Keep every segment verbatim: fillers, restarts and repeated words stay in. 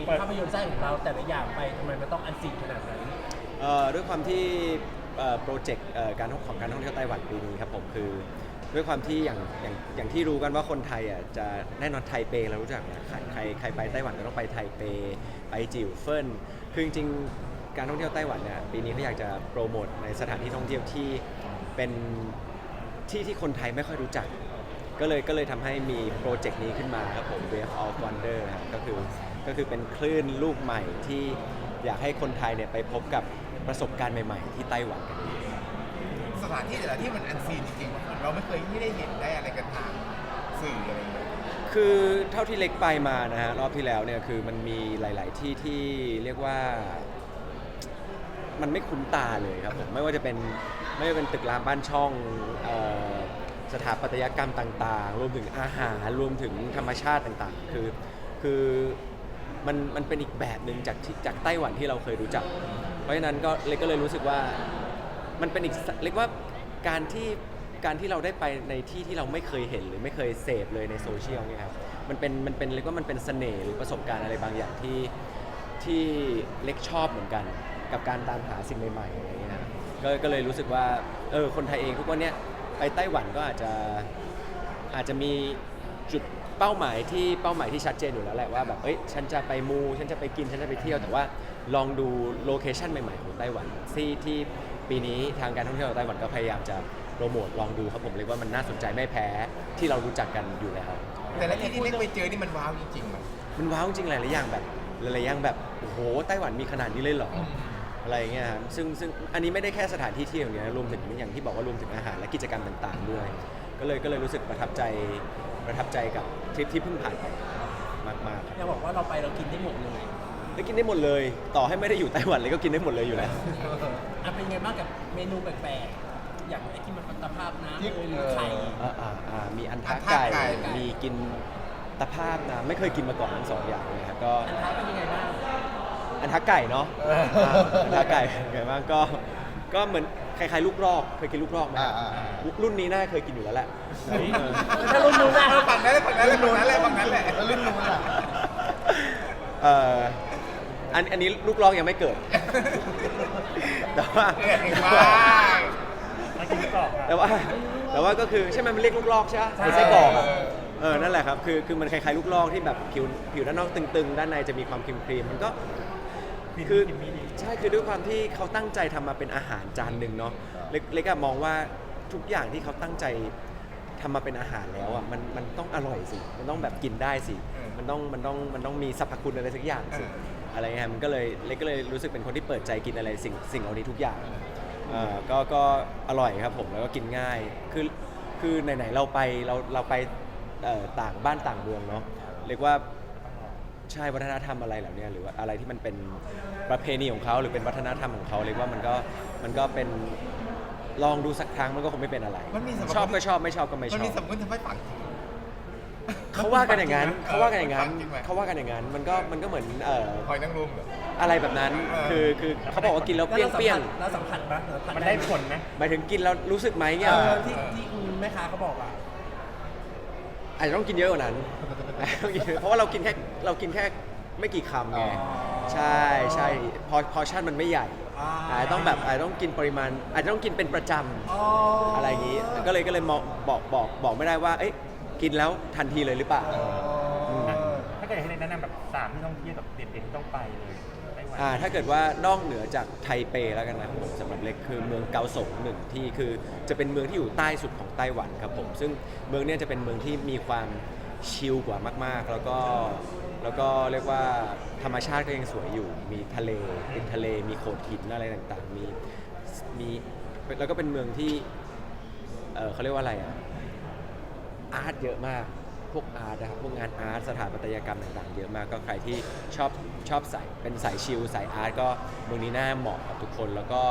ภาพยนตร์สร้างของเราแต่ละอย่างไปทำไมมันต้องอันซีนขนาดนั้นเอ่อด้วยความที่โปรเจกต์การของการท่องเที่ยวไต้หวันปีนี้ครับผมคือด้วยความที่อย่างอย่างอย่างที่รู้กันว่าคนไทยอ่ะจะแน่นอนไทเปเรารู้จักนะใครใครใครไปไต้หวันก็ต้องไปไทเปไปจิ๋วเฟินคือจริงๆการท่องเที่ยวไต้หวันเนี่ยปีนี้เขาอยากจะโปรโมทในสถานที่ท่องเที่ยวที่เป็นที่ที่คนไทยไม่ค่อยรู้จักก็เลยก็เลยทำให้มีโปรเจกต์นี้ขึ้นมาครับผม Wave of Wonder ครับก็คือก็คือเป็นคลื่นลูกใหม่ที่อยากให้คนไทยเนี่ยไปพบกับประสบการณ์ใหม่ๆที่ไต้หวันกันสถานที่แต่ละที่มันอันซีนจริงๆเราไม่เคยไม่ได้เห็นได้อะไรกันทางสื่ออะไรอย่างเงี้ยคือเท่าที่เล็กไปมานะฮะรอบที่แล้วเนี่ยคือมันมีหลายๆที่ที่เรียกว่ามันไม่คุ้นตาเลยครับผมไม่ว่าจะเป็นไม่ว่าจะเป็นตึกรามบ้านช่องสถาปัตยกรรมต่างๆรวมถึงอาหารรวมถึงธรรมชาติต่างๆคือคือมันมันเป็นอีกแบบหนึ่งจากจากไต้หวันที่เราเคยรู้จักเพราะฉะนั้นก็เล็กก็เลยรู้สึกว่ามันเป็นอีกเรียกว่าการที่การที่เราได้ไปในที่ที่เราไม่เคยเห็นหรือไม่เคยเสพเลยในโซเชียลเนี่ยครับมันเป็นมันเป็นเรียกว่ามันเป็นเสน่ห์หรือประสบการณ์อะไรบางอย่างที่ที่เล็กชอบเหมือนกันกับการตามหาสิ่งใหม่ๆอะไรเงี้ยก็ก็เลยรู้สึกว่าเออคนไทยเองทุกวันเนี้ยไปไต้หวันก็อาจจะอาจจะมีจุดเป้าหมายที่เป้าหมายที่ชัดเจนอยู่แล้วแหละว่าแบบเอ้ยฉันจะไปมูฉันจะไปกินฉันจะไปเที่ยวแต่ว่าลองดูโลเคชั่นใหม่ๆของไต้หวันที่ที่ปีนี้ทางการท่องเที่ยวของไต้หวันก็พยายามจะโปรโมทลองดูครับผมเลยว่ามันน่าสนใจไม่แพ้ที่เรารู้จักกันอยู่แล้วแต่ละที่ที่เล็กไปเจอนี่มันว้าวจริงๆมันมันว้าวจริงหลายๆอย่างแบบหลายๆอย่างแบบโอ้โหไต้หวันมีขนาดนี้เลยเหรออะไรเงี้ยครับซึ่งซึ่งอันนี้ไม่ได้แค่สถานที่เที่ยวอย่างเดียวรวมถึงอย่างที่บอกว่ารวมถึงอาหารและกิจกรรมต่างๆด้วยก็เลยก็เลยรู้สึกประทับใจประทับใจกับทริปที่เพิ่งผ่านไปมากๆอยากบอกว่าเราไปเรากินได้หมดเลยได้กินได้หมดเลยต่อให้ไม่ได้อยู่ไต้หวันเลยก็กินได้หมดเลยอยู่แล้วอ่ะเป็นไงบ้างกับเมนูแปลกๆอย่างไอ้ที่มันเป็นตะภาพน้ำหรือไข่อ่าอ่ามีอันทะไก่มีกินตะภาพน้ำไม่เคยกินมาก่อนทั้งสองอย่างเลยครับก็อันทะเป็นยังไงบ้างอันทะไก่เนาะอันทะไก่ไงบ้างก็ก็เหมือนคล้ายๆลูกรอกเคยกินลูกรอกไหมรุ่นนี้น่าเคยกินอยู่แล้วแหละถ้ารุ่นนู้นนะฝั่งนั้นเลยฝั่งนั้นเลยฝั่งนั้นเลยฝั่งนั้นแหละรุ่นนู้นอ่ะเอ่ออันอันนี้ลูกรอกยังไม่เกิดแต่ว่าแต่ว่าแต่ว่าก็คือใช่ไหมมันเรียกลูกลอกใช่ไหมไส้กรอกเออนั่นแหละครับคือคือมันคล้ายๆลูกลอกที่แบบผิวผิวด้านนอกตึงๆด้านในจะมีความครีมๆมันก็คือใช่คือด้วยความที่เขาตั้งใจทำมาเป็นอาหารจานหนึ่งเนาะเล็กๆมองว่าทุกอย่างที่เขาตั้งใจทำมาเป็นอาหารแล้วอ่ะมันมันต้องอร่อยสิมันต้องแบบกินได้สิมันต้องมันต้องมันต้องมีสรรพคุณอะไรสักอย่างสิอะไรเงี้ยมันก็เลยเล็กก็เลยรู้สึกเป็นคนที่เปิดใจกินอะไรสิ่งสิ่งเหล่านี้ทุกอย่างอ่าก็ก็อร่อยครับผมแล้วก็กินง่ายคือคือไหนๆเราไปเราเราไปต่างบ้านต่างเมืองเนาะเรียกว่าใช่วัฒนธรรมอะไรเหล่านี้หรือว่าอะไรที่มันเป็นประเพณีของเขาหรือเป็นวัฒนธรรมของเขาเรียกว่ามันก็มันก็เป็นลองดูสักครั้งมันก็คงไม่เป็นอะไรชอบก็ชอบไม่ชอบก็ไม่ชอบมันมีสมมติทำให้ฝังเขาว่ากันอย่างนั้นเขาว่ากันอย่างนั้นเขาว่ากันอย่างนั้นมันก็มันก็เหมือนเอ่อหอยนางรมอะไรแบบนั้นคือคือเขาบอกว่ากินแล้วเปรี้ยงเปรี้ยงแล้วสัมผัสปะมันได้ผลไหมหมายถึงกินแล้วรู้สึกไหมเนี่ยที่ที่คุณแม่ค้าเขาบอกอ่ะอาจจะต้องกินเยอะกว่านั้นเพราะว่าเรากินแค่เรากินแค่ไม่กี่คำไงใช่ใช่พอพอชั่นมันไม่ใหญ่อาจจะต้องแบบอาจจะต้องกินปริมาณอาจจะต้องกินเป็นประจำอะไรอย่างนี้ก็เลยก็เลยบอกบอกบอกไม่ได้ว่าเอ๊ะกินแล้วทันทีเลยหรือเปล่าถ้าเกิดให้แนะนำแบบสามที่ท่องเที่ยวแบบเด็ดๆที่ต้องไปเลยอ่าถ้าเกิดว่านอกเหนือจากไทเปแล้วกันนะผมสำหรับเล็กคือเมืองเกาสงหนึ่งที่คือจะเป็นเมืองที่อยู่ใต้สุดของไต้หวันครับผมซึ่งเมืองนี้จะเป็นเมืองที่มีความชิลกว่ามากๆแล้วก็แล้วก็เรียกว่าธรรมชาติก็ยังสวยอยู่มีทะเลติดทะเลมีโขดหินอะไรต่างๆมีมีแล้วก็เป็นเมืองที่เออเขาเรียกว่าอะไรอ่ะอาร์ตเยอะมากพวกอาร์ตนะครับพวกงานอาร์ตสถาปัตยกรรมต่างๆเยอะมากก็ใครที่ชอบชอบใส่เป็นสายชิลสายอาร์ตก็เมืองนี้น่าเหมาะกับทุกคนแล้วก็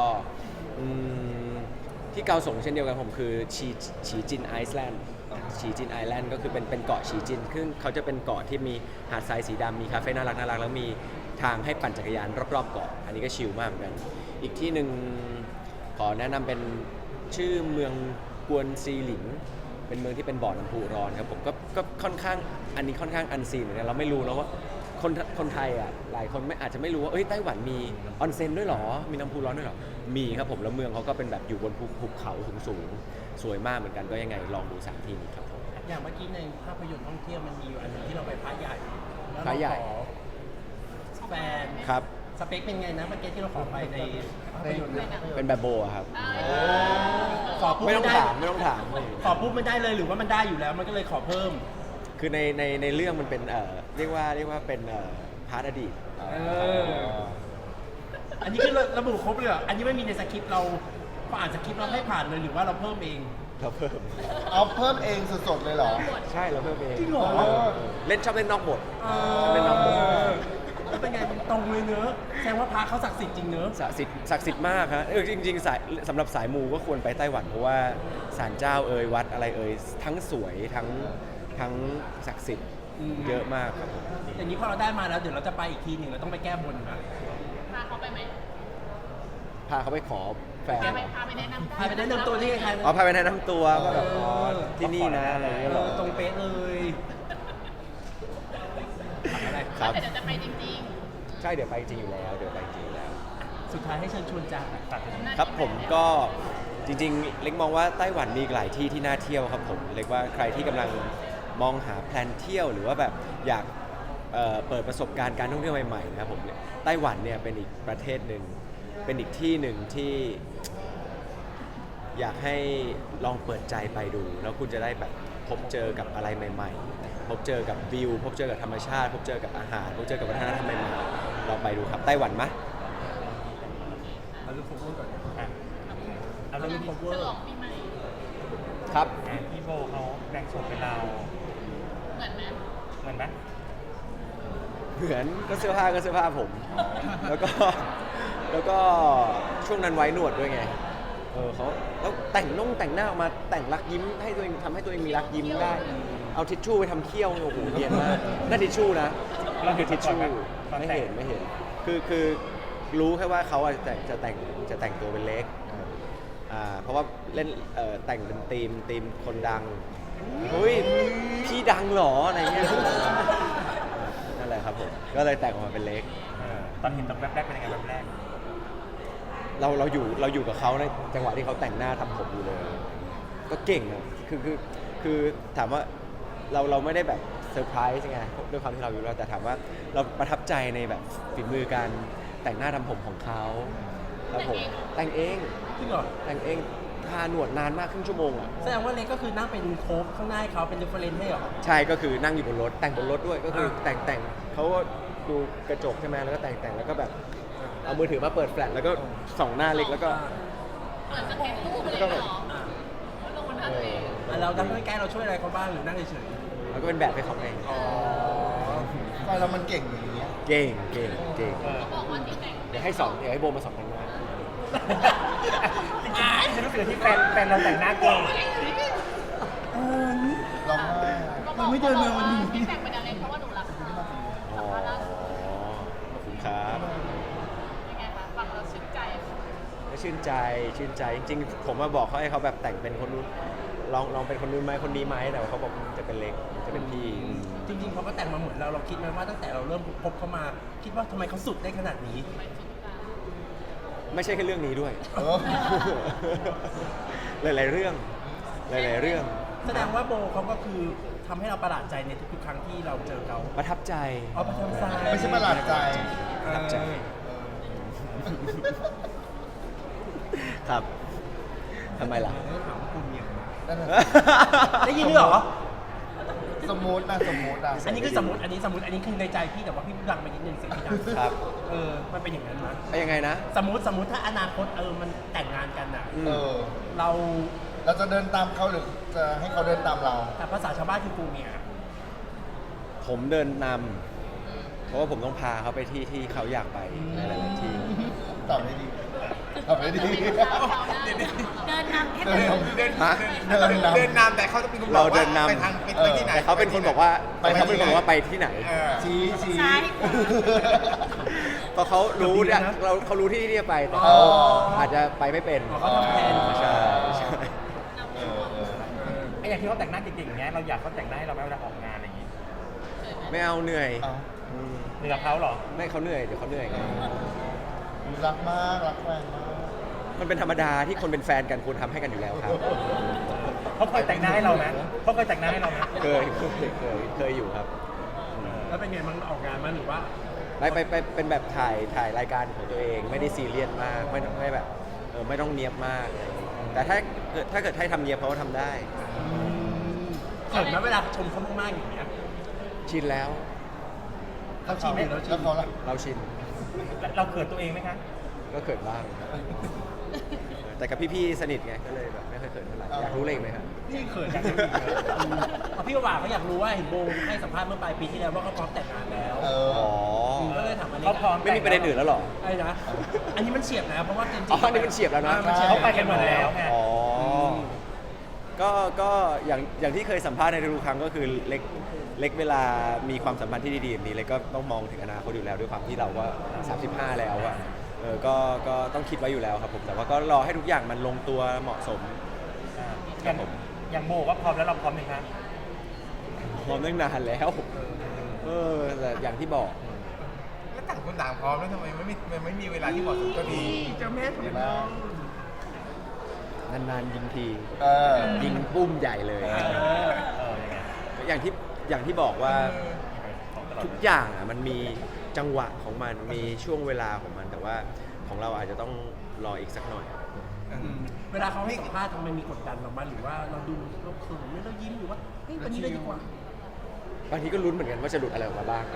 ที่เกาสงเช่นเดียวกันผมคือชีชีจินไอซ์แลนด์ชีจินไอแลนด์ก็คือเป็นเป็นเกาะชีจินซึ่งเขาจะเป็นเกาะที่มีหาดทรายสีดำมีคาเฟ่น่ารักน่ารักแล้วมีทางให้ปั่นจักรยานรอบๆเกาะอันนี้ก็ชิลมากเหมือนกันอีกที่หนึ่งขอแนะนำเป็นชื่อเมืองกวนซีหลิงเป็นเมืองที่เป็นบ่อน้ำพุร้อนครับผมก็ก็ค่อนข้างอันนี้ค่อนข้างอันซีนเหมือนกันเราไม่รู้นะว่าคนคนไทยอ่ะหลายคนไม่อาจจะไม่รู้ว่าเอ้ยไต้หวันมีออนเซ็นด้วยเหรอมีน้ำพุร้อนด้วยเหรอมีครับผมแล้วเมืองเขาก็เป็นแบบอยู่บนภูภูเขาสูงๆสวยมากเหมือนกันก็ยังไงลองดูสามที่นี้ครับผมอย่างเมื่อกี้ในภาพยนตร์ท่องเที่ยวมันมีอยู่อันหนึงที่เราไปพระใหญ่แล้วพระใหญ่เราขอแฟนครับสเปคเป็นไงนะเมื่อกี้ที่เราขอไปในภาพยนตร์นะเป็นแบบโบอะครับขอปุ๊บไม่ต้องด้ถามไม่ต้องถามขอปุ๊บไม่ได้เลยหรือว่ามันได้อยู่แล้วมันก็เลยขอเพิ่มคือในในในเรื่องมันเป็นเอ่อเรียกว่าเรียกว่าเป็นเอ่อพาร์ทอดีตเออ อันนี้คือระบุครบเลยเหรออันนี้ไม่มีในสคริปต์เราพออ่านสคริปต์เราให้ผ่านเลยหรือว่าเราเพิ่มเองเราเพิ่มเอาเพิ่มเองสดๆเลยเหรอใช่เราเพิ่มเองจริงเหรอเออเล่นชอบเล่นนอกบทชอบเล่นนอกบทแล้วเป็นไงมันตรงเลยเนอะแสดงว่าพระเขาศักดิ์สิทธิ์จริงเนอะศักดิ์สิทธิ์ศักดิ์สิทธิ์มากครับเออจริงๆสายสำหรับสายมูก็ควรไปไต้หวันเพราะว่าศาลเจ้าเอ่ยวัดอะไรเอ่ยทั้งสวยทั้งทั้งศักดิ์สิทธิ์เยอะมากครับผมอย่างนี้พอเราได้มาแล้วเดี๋ยวเราจะไปอีกทีหนึ่งเราต้องไปแก้บนนะพาเขาไปไหมพาเขาไปขอแฟนแกไปพาไปแนะนำพาไปแนะนำตัวที่ใครอ๋อพาไปแนะนำตัวว่าแบบอ๋อที่นี่นะอะไรอย่างเงี้ยเหรอตรงเป๊ะเลยอะไรครับแต่เดี๋ยวจะไปจริงใช่เดี๋ยวไปจริงอยู่แล้วเดี๋ยวไปจริงอยู่แล้วสุดท้ายให้เชิญชวนจ้าๆครับผมก็จริงๆ เล็กมองว่าไต้หวันมีอีกหลายที่ที่น่าเที่ยวครับผมเล็กว่าใครที่กำลังมองหาแพลนเที่ยวหรือว่าแบบอยากเอ่อเปิดประสบการณ์การท่องเที่ยวใหม่ๆนะครับผมไต้หวันเนี่ยเป็นอีกประเทศหนึ่งเป็นอีกที่หนึ่งที่อยากให้ลองเปิดใจไปดู แล้วคุณจะได้แบบพบเจอกับอะไรใหม่ๆ พบเจอกับวิว พบเจอกับธรรมชาติ พบเจอกับอาหาร พบเจอกับวัฒนธรรมใหม่ๆลองไปดูครับไต้หวันมะเราจะโคเวอร์ก่อนอ่ะเอาเรื่องโคเวอฉร์ลองปีใหม่ครับอ่ะพี่โบเขาแบ่งส่วนเป็นเราเหมือนไหมเหมือนไหมเหมือนก็เสื้อผ้าก็เสื้อผ้าผม แล้วก็แล้วก็ช่วงนั้นไว้หนวดด้วยไง เออเขาแล้วแต่งนุ่งแต่งหน้าออกมาแต่งรักยิ้มให้ตัวเองทำให้ตัวเองมีรักยิ้มได้ เอาทิชชู่ไปทำเขี้ยวโอ้โหเนียนมากนั่นทิชชู่นะนั่นคือทิชชู่ไม่เห็นไม่เห็น คือคือรู้แค่ว่าเขาอะจะแต่งจะแต่งจะแต่งตัวเป็นเล็กอ่าเพราะว่าเล่นเอ่อแต่งเป็นธีมธีมคนดังเฮ้ยพี่ดังเหรออะไรเงี้ยนั่นแหละครับผมก็เลยแต่งออกมาเป็นเล็กเออตอนเห็นตอนแรกๆเป็นยังไงแบบแรกเราเราอยู่เราอยู่กับเขาในจังหวะที่เขาแต่งหน้าทำผมอยู่เลย ก็เก่งอะคือคือคือถามว่าเราเราไม่ได้แบบเซอร์ไพรส์ไงด้วยความที่เราอยู่แล้วแต่ถามว่าเราประทับใจในแบบฝีมือการแต่งหน้าทำผมของเขาแล้วผมแต่งเองจริงเหรอแต่งเองทาหนวดนานมากครึ่งชั่วโมงอ่ะแสดงว่าเล็กก็คือนั่งเป็นโค้กข้างหน้าให้เขาเป็นเรฟเฟรนซ์ให้เหรอใช่ก็คือนั่งอยู่บนรถแต่งบนรถด้วยก็คืออ่าแต่งแต่งเขาก็ดูกระจกใช่ไหมแล้วก็แต่งแต่งแล้วก็แบบเอามือถือมาเปิดแฟลชแล้วก็ส่องหน้าเล็กแล้วก็เหมือนสเก็ตรูปเลยเหรอลงบนหน้าตัวเองอ่ะเรานั่งใกล้ๆเราช่วยอะไรเขาบ้างหรือนั่งเฉยแล้วก็เป็นแบบให้เขาเองๆอ๋อไฟเรามันเก่งอย่างเงี้ยเก่งเก่งเก่งเออเขาบอกว่าที่แต่งเดี๋ยวให้สองเดี๋ยวให้โบมาสองแต่งหน้าจริงๆฉันรู้สึกว่าที่แฟนแฟนเราแต่งหน้าเก่งร้องไห้ก็บอกเขาบอกว่าที่แต่งเป็นอะไรเพราะว่าหนูรักเขาอ๋อสัมภาษณ์ล่าสุดขอบคุณครับยังไงคะฟังเราชื่นใจก็ชื่นใจชื่นใจจริงๆ ผมมาบอกเขาให้เขาแบบแต่งเป็นคนนู้นลองลองเป็นคนนู้นไหมคนนี้ไหมแต่ว่าเขาบอกจะเป็นเล็กจะเป็นพี่จริงๆเขาก็แต่งมาเหมือนเราเราคิดไหมว่าตั้งแต่เราเริ่มพบเขามาคิดว่าทำไมเขาสุดได้ขนาดนี้ไปถึงกันไม่ใช่แค่เรื่องนี้ด้วยเออหลายๆเรื่อง หลายๆเรื่องแสดงว่าโบเขาก็คือทำให้เราประหลาดใจในทุกๆครั้งที่เราเจอเขาประทับใจเอาประทับใจไม่ใช่ประหลาดใจประทับใจ ครับทำไมล่ะเออถามคุณเนี่ยนั่นน่ะได้ยินด้วยเหรอสมมตินะสมมติอ่ะอันนี้คือสมมติอันนี้สมมติอันนี้คือในใจพี่แต่ว่าพี่พูดดังไปนิดนึงเสียงพี่ดังครับเออมันเป็นอย่างนั้นมั้ยเป็นยังไงนะสมมติสมมติถ้าอนาคตเออมันแต่งงานกันอ่ะอืมเออเราเราจะเดินตามเขาหรือจะให้เขาเดินตามเราแต่ภาษาชาวบ้านคือกูเมียผมเดินนำเพราะว่าผมต้องพาเขาไปที่ที่เขาอยากไปในหลายๆที่ตอบได้ดีตอบได้ดีเดินนำแค่เดินเดินนำเดินฮะเดินเดินนำแต่เขาต้องเป็นคนบเราอกเดิว่านนำไปทางไปไปที่ไหนแต่เขาเป็นคนบอกว่าไปแต่เขาเป็นที่คนไหนบอกว่าไปที่ไหนเออชี้ชี้ซ้ายขวาเพราะเขารู้เนี่ยเราเขารู้ที่ที่จะไปแต่อ๋เขาออาจจะไปไม่เป็นอ๋อเขาทำแทนใช่ใช่เออเออไอ้อย่างที่เขาแต่งหน้าเก่งๆอย่างเงี้ยเราอยากเขาแต่งหน้าให้เราไหมเวลาออกงานอะไรอย่างงี้ไม่เอาเหนื่อยเอาอืมเหนือเขาเหรอไม่เขาเหนื่อยเดี๋ยวเขาเหนื่อยไงรักมากรักแฟนมากมันเป็นธรรมดาที่คนเป็นแฟนกันควรทำให้กันอยู่แล้วครับเขาเคยแต่งหน้าให้เราไหมเขาเคยแต่งหน้าให้เราไหมเคยเคยเคยเคยอยู่ครับแล้วเป็นไงมันออกงานมั้ยหรือว่าไปไปไปเป็นแบบถ่ายถ่ายรายการของตัวเองไม่ได้ซีเรียสมากไม่ไม่แบบเออไม่ต้องเนียบมากอะไรอย่างเงี้ยแต่ถ้าเกิดถ้าเกิดให้ทำเนียบเขาก็ทำได้เขินไหมเวลาชมเขามากๆอย่างเงี้ยชินแล้วเขาชินอยู่แล้วชิแล้วนเขาล่ะเราชินเราเขินตัวเองไหมคะก็เขินบ้าง แต่กับพี่ๆสนิทไงก็เลยแบบไม่ค่อยเขินเท่าไหร่อยากรู้เลยไหมครับนี่เขินอยากรู้อีกเลยเอาพี่ว่าเขาอยากรู้ว่าเห็นโบให้สัมภาษณ์เมื่อปลายปีที่แล้วว่าเขาพร้อมแต่งงานแล้วเอออ๋อก็เลยถามอันนี้เขาพร้อมไม่มีประเด็นอื่นแล้วเหรอไอ้นะอันนี้มันเฉียบนะเพราะว่าจริงๆอ๋ออันนี้มันเฉียบแล้วนะอ่ามันฉียบเขาไปกันหมดแล้วไงอ๋ออก็ก็อย่างอย่างที่เคยสัมภาษณ์ในทุกๆครั้งก็คือเล็กเล็กเวลามีความสัมพันธ์ที่ดีๆแบบนี้เล็กก็ต้องมองถึงอนาคตอยู่แล้วด้วยความที่เราก็สามสิบห้าแล้วอะเออก็ก็ต้องคิดไว้อยู่แล้วครับผมแต่ว่าก็รอให้ทุกอย่างมันลงตัวเหมาะสมอย่างอย่างโบว่าพร้อมแล้วเราพร้อมไหมคะพร้อมตั้งนานแล้วเออแต่อย่างที่บอกแล้วต่างคนต่างพร้อมแล้วทำไมไม่มีมันไม่มีเวลาที่เหมาะสมก็ดีเจ้าแม่ถูกแล้ต้อวงนานๆยิงทีเออยิงปุ้มใหญ่เลยเออเออยังไงอย่างที่อย่างที่บอกว่าของตลอดทุกอย่างอ่ะมันมีจังหวะของมันมีช่วงเวลาของมัน แต่ว่าของเราอาจจะต้องรออีกสักหน่อยเวลาเขาให้สัมภาษณ์ทำไมมีกดดันเราบ้างหรือว่าเราดูเราเขินหรือเรายิ้มหรือว่าเฮ้ยวันนี้เลยดีกว่าบางทีก็ลุ้นเหมือนกันว่าจะหลุดอะไรออกมาบ้าง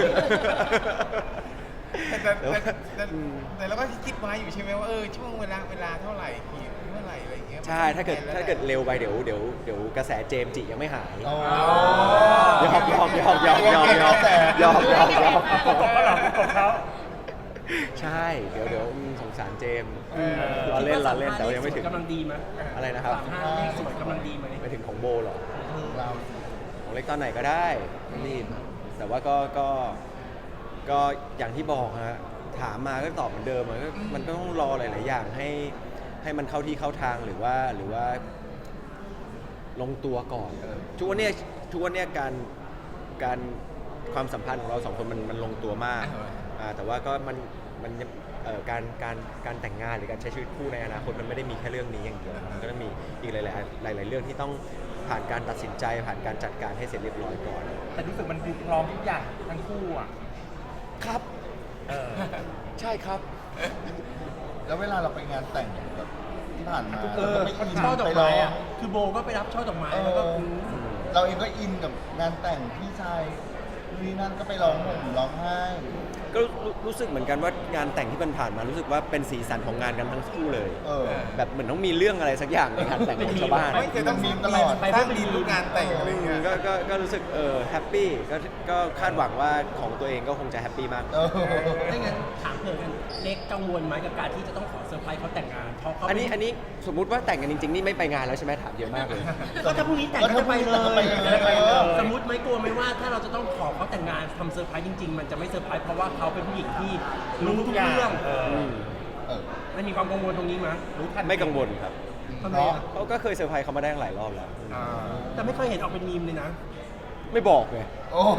แต่แต่แต่แต่แต่เราก็คิดไว้อยู่ใช่ไหมว่าเออช่วงเวลาเวลาเท่าไหร่กี่เมื่อไหร่อะไรอย่างเงี้ยใช่ถ้าเกิดถ้าเกิดเร็วไปเดี๋ยวเดี๋ยวเดี๋ยวกระแสเจมส์จิยังไม่หายอ๋อยอมยอมยอมยอมยอมยอมยอมยอมยอมเอาประกบเขาเหรอประกบเขาใช่เดี๋ยวเดี๋ยวอืมสงสารเจมส์เออรอเล่นรอเล่นแต่ว่ายังไม่ถึงกำลังดีไหมอะไรนะครับสามห้าเลขสวยกำลังดีไหมไปถึงของโบเหรอเราของเล็กตอนไหนก็ได้ไม่รีบแต่ว่าก็ก็ก็อย่างที่บอกฮะถามมาก็ตอบเหมือนเดิมมันก็มันก็ต้องรอหลาย ๆ อย่างให้ให้มันเข้าที่เข้าทางหรือว่าหรือว่าลงตัวก่อนทุกวันเนี้ยทุกวันเนี้ยการการความสัมพันธ์ของเราสองคนมันมันลงตัวมากอ่าแต่ว่าก็มันมันเอ่อการการการแต่งงานหรือการใช้ชีวิตคู่ในอนาคตมันไม่ได้มีแค่เรื่องนี้อย่างเดียวมันก็ต้องมีอีกหลาย ๆ หลาย ๆ เรื่องที่ต้องผ่านการตัดสินใจผ่านการจัดการให้เสร็จเรียบร้อยก่อนแต่รู้สึกมันดูพร้อมทุกอย่างทั้งคู่อ่ะครับเออใช่ครับแล้วเวลาเราไปงานแต่งแบบที่ผ่านมาเออเราไม่อินช่อดอกไปรอไม้อะคือโบก็ไปรับช่อดอกไม้เอแล้วก็ออืมเราเองก็อินกับงานแต่งพี่ชายนี่นั่นก็ไปร้องห่มร้องไห้ก็รู้รู้สึกเหมือนกันว่างานแต่งที่มันผ่านมารู้สึกว่าเป็นสีสันของงานกันทั้งคู่เลยเออแบบเหมือนต้องมีเรื่องอะไรสักอย่างในงานแต่งของชาวบ้านไม่เคยต้องมีตลอดไปเพื่อดีทุกงานแต่งอะไรอย่างเงี้ยก็ก็ก็รู้สึกเออแฮปปี้ก็ก็คาดหวังว่าของตัวเองก็คงจะแฮปปี้มากเออถ้างั้นถามเผื่อกันเล็กกังวลไหมกับการที่จะต้องขอเซอร์ไพรส์เขาแต่งงานเพราะเขาอันนี้อันนี้สมมุติว่าแต่งกันจริงๆ นี่ไม่ไปงานแล้วใช่ไหมถามเยอะมากเลยก็ถ้าพรุ่งนี้แต่งก็จะไปเลก็ไปยเลยสมมติไหมกลัวไหมว่าถ้าเราจะต้องขอเขาแต่งงานทำเซอร์ไพรส์จริง ๆ มันจะไม่เซอร์ไพรส์เพราะว่าเขาเป็นผู้หญิงที่รู้ทุกเรื่องเอออืมเออมันมีความกังวลตรงนี้ไหมรู้ทันไม่กังวลครับทำไมเนาะอะเขาก็เคยเซอร์ไพรส์เขามาได้หลายรอบแล้วอ่าแต่ไม่เคยเห็นออกเป็นมีมเลยนะไม่บอกไงโอ้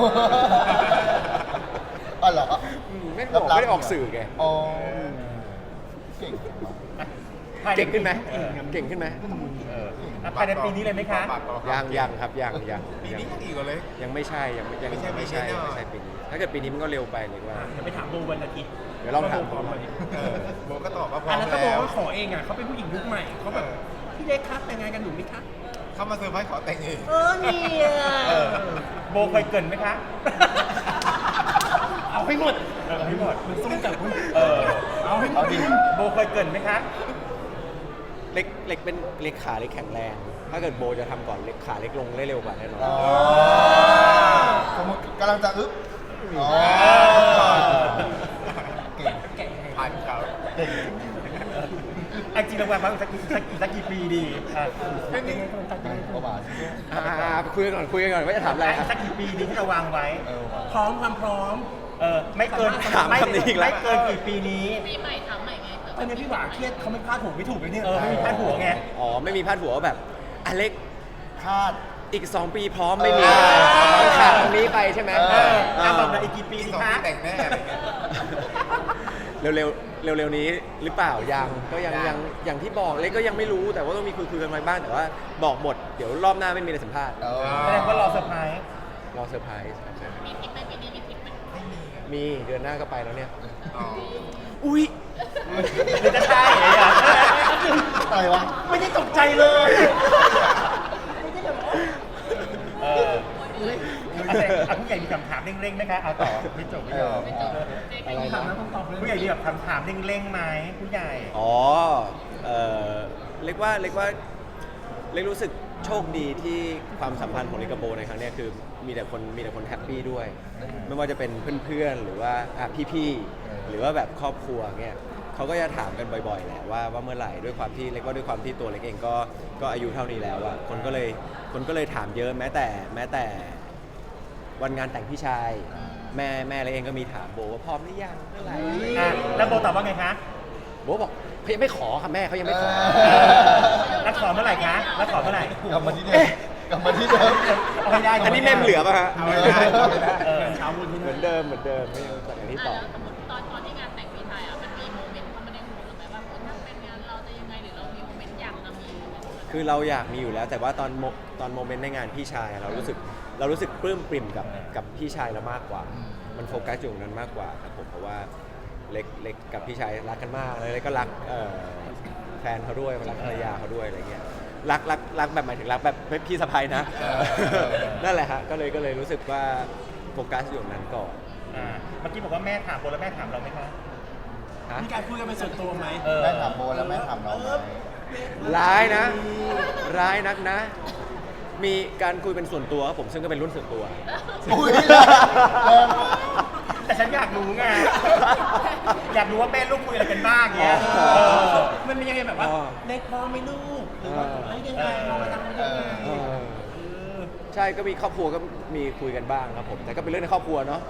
อ๋อเหรออืมไม่บอกไม่ได้ออกสื่อไงอ๋อเก่งเก่งขึ้นไหมเออเก่งขึ้นไหมเอออ่ะภายในปีนี้เลยไหมคะปากต่อยังยังครับยังยังปียังนี้ยังอีกเหรอเลยยังไม่ใช่ยังยังไม่ใช่ไม่ใช่ไม่ไม่ใช่ใช่ปีนี้ ถ้าเกิดปีนี้มันก็เร็วไปเลยว่าจะไปถามโบวันอาทิตย์เดี๋ยวลองถามโบพร้อมไหมเออโบก็ตอบว่าพร้ออ่ะมแล้วถ้าโบแล้วว่าขอเองอ่ะเขาเป็นผู้หญิงยุคใหม่เขาแบบพี่เล็กครับแต่งงานกันหนูไหมคะเขามาเซอร์ไพรส์ขอแต่งเองเออเนี่ยเออโบเคยเกรินไหมคะเอาให้หมดเออให้หมดมันสู้กับคุณเออเอาให้หมเอาดดิโบเคยเกรินไหมคะเล็กเล็กเป็นเล็กขาเล็กแข็งแรง ถ้าเกิดโบจะทำก่อนเล็กขาเล็กลงได้เร็วกว่าแน่นอนอ๋อสมมติกำลังจะอึ๊บอ๋อเก่งแกะผ่านเขาเก่งไอจริงเราวางไว้สักสักสักกี่ปีดีอ่ะไม่มีก็หวานอ่าคุยกันก่อนคุยกันก่อนว่าจะถามอะไรอ่ะสักกี่ปีดีที่เราวางไว้เออว่ะพร้อมความพร้อมเออไม่เกินถามไม่คำนี้อีกแล้วไม่เกินกี่ปีนี้ปีใหม่ถามใหม่ไงเผื่อตอนนี้พี่หวาเครียดเขาไม่พลาดถูกไม่ถูกเลยเนี่ยเออไม่มีพาดหัวไงอ๋อไม่มีพาดหัวว่าแบบอเล็กคาดอีก สอง ปีพร้อมไม่มีมันขาดตรงนี้ไปใช่ไหมเออเออ่ะอบอกหน่อยอีกกี่ปีปีดีสองคะปีแต่งแน่อะไรเงี้ยเร็วๆเร็วๆนี้หรือเปล่ายังก็ยังยัยัง งอย่างที่บอกเล็กก็ยังไม่รู้แต่ว่าต้องมีคุยคุยกันไว้บ้างแต่ว่าบอกหมดเดี๋ยวรอบหน้าไม่มีอะไรสัมภาษณ์เออแสดงว่ารอเซอร์ไพรส์รอเซอร์ไพรส์ครับมีทริปไหมปีนี้มีทริปไหมมีเดือนหน้าก็ไปแล้วเนี่ยอ๋ออุ้ยหรือจะใช่เหรออะไรวะไม่ได้ตกใจเลยเออเอาแต่เอาผู้ใหญ่มีคำถามเร่งๆไหมคะเอาต่อไม่จบไม่ยอมไม่จบเจ๊ก็อะไรยิงนะผู้ใหญ่มีแบบคำถามเร่งๆไหมผู้ใหญ่อ๋อเออเล็กว่าเล็กว่าเล็กรู้สึกโชคดีที่ความสัมพันธ์ของเล็กกับโบในครั้งเนี้ยคือมีแต่คนมีแต่คนแฮปปี้ด้วย ไม่ว่าจะเป็นเพื่อนๆหรือว่าอ่ะพี่ๆหรือว่าแบบครอบครัวเงี้ยเขาก็จะถามกันบ่อยๆแหละว่าว่าเมื่อไหร่ด้วยความที่เล็กว่าด้วยความที่ตัวเล็กเองก็ก็อายุเท่านี้แล้วอะคนก็เลยคนก็เลยถามเยอะแม้แต่แม้แต่วันงานแต่งพี่ชายแม่แม่เล็กเองก็มีถามโบว่าพร้อมหรือยังเมื่อไหร่อ่ะแล้วโบตอบว่าไงคะโบบอกเขายังไม่ขอค่ะแม่เขายังไม่ขอเอแล้วขอเมื่อไหร่คะแล้วขอเมื่อไหร่กลับมาที่เดิมกลับมาที่เดิมเอาให้ได้อันนี้แม่มเหลือป่ะฮะเอาไม่ได้เอาไม่ได้เออเช้าวันที่เหมือนเดิมเหมือนเดิมไม่ต้องจากอย่างที่อ่ะตอบแล้วสมมติตอนตอนที่งานแต่งพี่ไทยอ่ะมันมีโมเมนต์เข้ามาในหัวเราไหมว่าถ้าเป็นงานเราจะยังไงหรือเรามีโมเมนต์อยากจะมีโมเมนต์แบบนั้นคือเราอยากมีอยู่แล้ว แต่ว่าตอนโมตอนโมเมนต์ในงานพี่ชายอะเรารู้สึกเรารู้สึกปลื้มปริ่มกับกับพี่ชายเรามากกว่า มันโฟกัสอยู่ตรงนั้นมากกว่าครับผมเพราะว่าเล็กเล็กกับพี่ชายรักกันมากเลยเล็กก็รักเอ่อแฟนเขาด้วยรักภรรยาเขาด้วยอะไรเงี้ยรักรักรักแบบหมายถึงรักแบบไม่พี่สะใภ้นะ นั่นแหละฮะก็เลยก็เลยรู้สึกว่าโฟกัสอยู่ตรงนั้นก่อนอ่าเมื่อกี้บอกว่าแม่ถามโบแล้วแม่ถามเราไหมคะฮะมีการคุยกันเป็นส่วนตัวไหมเออแม่ถามโบแล้วแม่ถามน้องไหมร้ายนะ ร้ายนักนะ มีการคุยเป็นส่วนตัวครับผมซึ่งก็เป็นรุ่นส่วนตัวอุ้ยแรงแรงมากแต่ฉันอยากรู้ไง อยากรู้ว่าแม่ลูกคุยอะไรกันบ้างเงี้ยอ๋อเออมันเป็นยังไงแบบว่าอ๋อเล็กพอไหม่ลูกหรือว่าเออเอ้ยยังไงเรามาทำยังไงเออใช่ก็มีครอบครัวก็มีคุยกันบ้างครับผม แต่ก็เป็นเรื่องในครอบครัวเนาะ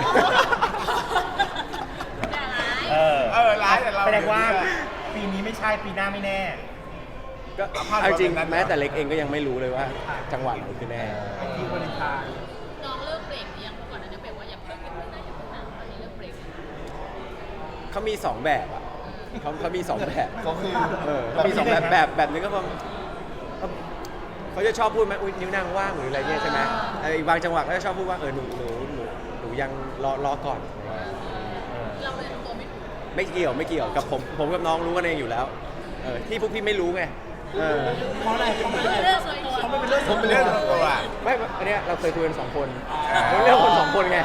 อย่าร้ายเออเออร้ายแต่เราแสดงว่าปีนี้ไม่ใช่ปีหน้าไม่แน่ก็เอาภาพเอาจริงแบบนั้นแม้แต่เล็กเองก็ยังไม่รู้เลยว่าจังหวะไหนคือแน่ที่วาเลนไทน์น้องเลิกเบรกหรือยังเมื่อก่อนนั้นเบรกว่าอย่าเพิ่งอย่าเพิ่งนะอย่าเพิ่งนะตอนนี้เลิกเบรกแล้วเขามีสองแบบอ่ะเขาเขามีสองแบบก็คือเออเขามีสองแบบแบบแบบนึงก็แบบเขาจะชอบพูดไหมอุ้ยนิ้วนางว่างหรืออะไรเงี้ยใช่ไหมไอ้บางจังหวะก็จะชอบพูดว่าเออหนูหนูหนูหนูยังรอรอก่อนเราเลยทำตัวไม่ถูกไม่เกี่ยวไม่เกี่ยวกับผมผมกับน้องรู้กันเองอยู่แล้วเออที่พวกพี่ไม่รู้ไงเออเพราะอะไรเขาไม่เรื่องส่วนตัวเขาไม่เป็นเรื่องผมเป็นเรื่องส่วนตัวไม่อันเนี้ยเราเคยคุยกันสองคนเราเรื่องคนสองคนไง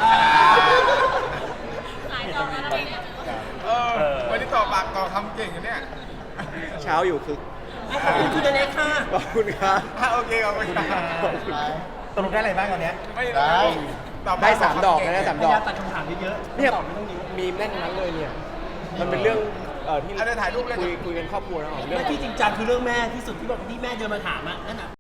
สายจองแล้วเนี่ยเออวันนี้ต่อปากต่อคำเก่งอยู่เนี่ยเช้าอยู่คืออ่ะขอบคุณคุณเล็กค่ะขอบคุณครับอ่ะโอเคขอบคุณครับร้ายตกลงได้อะไรบ้างตอนเนี้ยไม่ได้ตอบได้สามดอกนะสามพดอยยายาก มตัดคำถามเยอะๆเนี่ยตอบไม่ต้องเยอะมีแน่นทั้งนั้นเลยเนี่ยมันเป็นเรื่องเออที่เอาเดี๋ยวถ่ายรูปเลยคุยคุยกันครอบครัวนะอ๋อเรื่องและที่จริงจังคือเรื่องแม่ที่สุดที่บอกที่แม่เดินมาถามอ่ะนั่นน่ะ